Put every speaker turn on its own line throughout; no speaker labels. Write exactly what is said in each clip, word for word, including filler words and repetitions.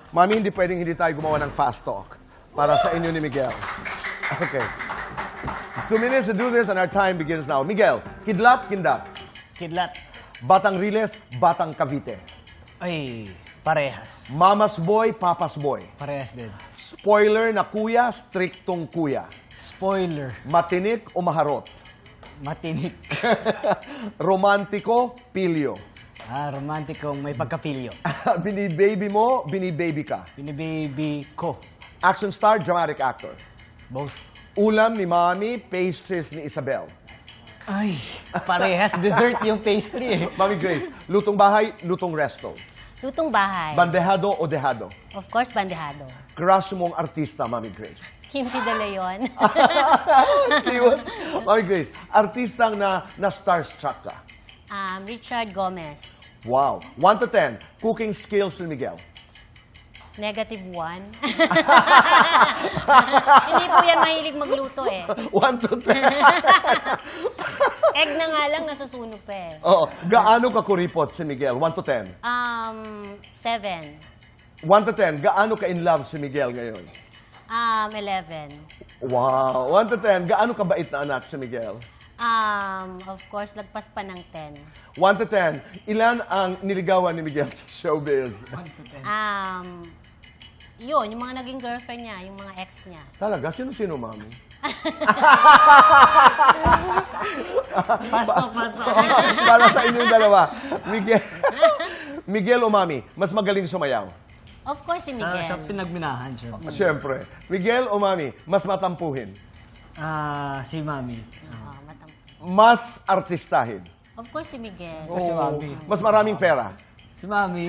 Mami, hindi pwedeng hindi tayo gumawa ng fast talk para sa inyo ni Miguel. Okay. Two minutes to do this and our time begins now. Miguel, kidlat, kindat.
Kidlat.
Batang Riles, Batang Cavite.
Ay, parehas.
Mama's boy, Papa's boy.
Parehas din.
Spoiler na kuya, striktong kuya.
Spoiler.
Matinik o maharot.
Matinik.
Romantiko, pilyo.
Ah, romantikong may pagkapilyo.
Binibaby mo, binibaby ka.
Binibaby ko.
Action star, dramatic actor.
Both.
Ulam ni Mami, pastries ni Isabel.
Ay, parehas. Dessert yung pastry eh.
Mami Grace, lutong bahay, lutong resto.
Lutong bahay.
Bandehado o dehado.
Of course, bandehado.
Crush mong artista, Mami Grace.
Kim P. De Leon.
Cute. Mami Grace, artistang na, na starstruck ka.
um, Richard Gomez.
Wow. one to ten, cooking skills ni Miguel.
Negative one. Hindi po yan mahilig magluto eh.
one to ten.
Egg na nga lang, nasusunog pa eh.
Oo. Gaano ka kuripot si Miguel? one to ten.
Um, seven.
one to ten, gaano ka in love si Miguel ngayon?
Um, eleven.
Wow. one to ten, gaano ka bait na anak si Miguel?
Um, of course, lagpas pa ng ten.
one to ten, ilan ang niligawan ni Miguel sa showbiz?
Um, yun, yung mga naging girlfriend niya, yung mga ex niya.
Talaga? Sino-sino, Mami?
Pasto, pasto.
Para sa inyong dalawa. Miguel, Miguel o Mami, mas magaling sumayaw?
Of course, si
Sa,
Miguel.
sa pinagminahan siya.
Siyempre. Miguel o Mami, mas matampuhin?
Ah, si Mami.
Oo, matam-
Mas artistahin?
Of course, si Miguel.
Si Mami.
Mas maraming pera?
Si Mami.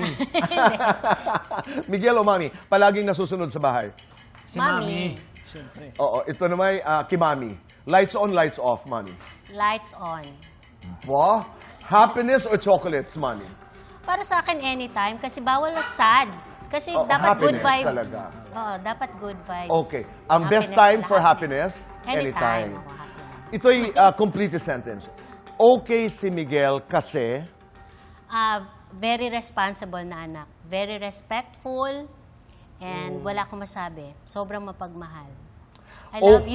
Miguel o Mami, palaging nasusunod sa bahay?
Si
Mami.
Mami. Siyempre.
Oo, ito naman uh, kay Mami. Lights on, lights off, Mami.
Lights on.
Wow. Happiness or chocolates, Mami?
Para sa akin, anytime. Kasi bawal at sad. Kasi
Oo,
dapat good
happiness
vibe.
talaga.
Oo, dapat good vibes.
Okay. Ang best
Happiness
time
pala,
for happiness?
Anytime.
Anytime.
Ako, happiness.
Ito'y uh, completed sentence. Okay si Miguel kasi...
Ah, very responsible na anak. Very respectful. And wala akong masabi. Sobrang mapagmahal. I
Oh.
love you.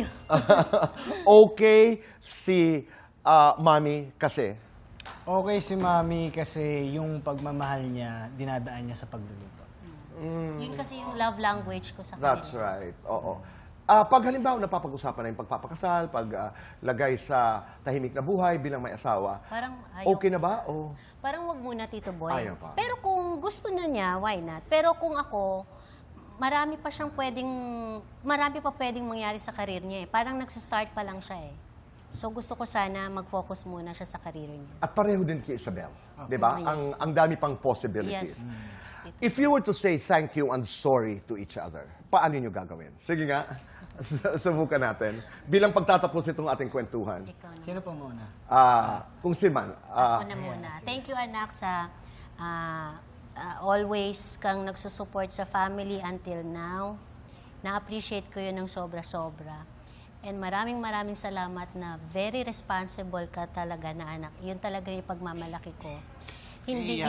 Okay si uh, Mami kasi...
Okay si Mami kasi yung pagmamahal niya, dinadaan niya sa pagluluto.
Yun kasi yung love language ko sa kanila.
That's right. Oo. Ah, pag halimbawa napapag-usapan na yung pagpapakasal, pag ah, lagay sa tahimik na buhay bilang may asawa,
Parang ayaw.
okay na ba? O
Parang wag muna, Tito Boy.
Ayaw pa.
Pero kung gusto na niya, why not? Pero kung ako, marami pa siyang pwedeng, marami pa pwedeng mangyari sa karir niya eh. Parang nagsa-start pa lang siya eh. So gusto ko sana mag-focus muna siya sa karir niya.
at pareho din kay Isabel, 'di ba?
Yes.
Ang ang dami pang possibilities.
Yes.
If you were to say thank you and sorry to each other, paano niyo gagawin? Sige nga. Subukan natin. Bilang pagtatapos nitong ating kwentuhan.
Ikaw na.
Sino po muna?
Ah, kung si Man, ah,
Ako na muna. Thank you, anak, sa ah, ah, always kang nagsusupport sa family until now. Na-appreciate ko yun ng sobra-sobra. And maraming maraming salamat na very responsible ka talaga na anak. Yun talaga yung pagmamalaki ko. Hindi,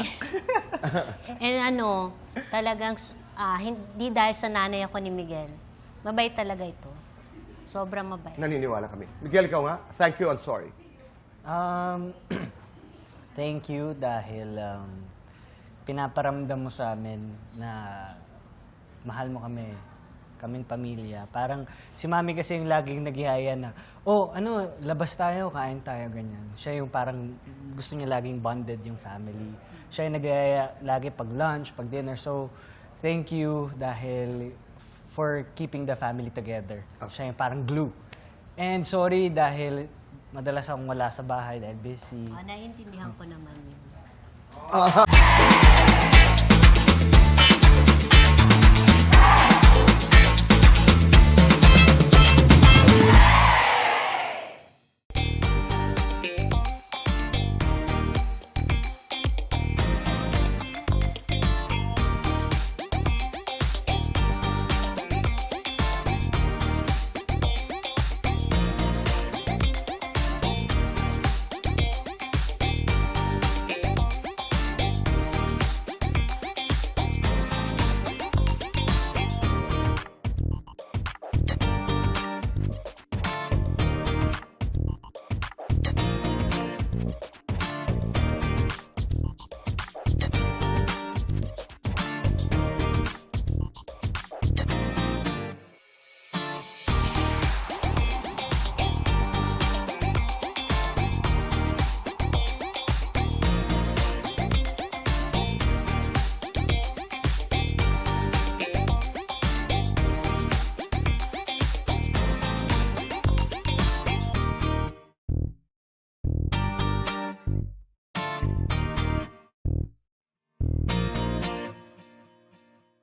and ano, talagang, ah, hindi dahil sa nanay ako ni Miguel. Mabait talaga ito. Sobrang mabait.
naniniwala kami. Miguel, ikaw nga. Thank you and sorry.
Um, thank you dahil um, pinaparamdam mo sa amin na mahal mo kami, kaming pamilya. Parang si Mami kasi yung laging naghihaya na, oh, ano, labas tayo, kain tayo, ganyan. Siya yung parang gusto niya laging bonded yung family. Siya yung naghihaya lagi pag lunch, pag dinner. So, thank you dahil for keeping the family together. Siya yung parang glue. And sorry dahil madalas akong wala sa bahay dahil busy.
Oh, naiintindihan ko naman yun.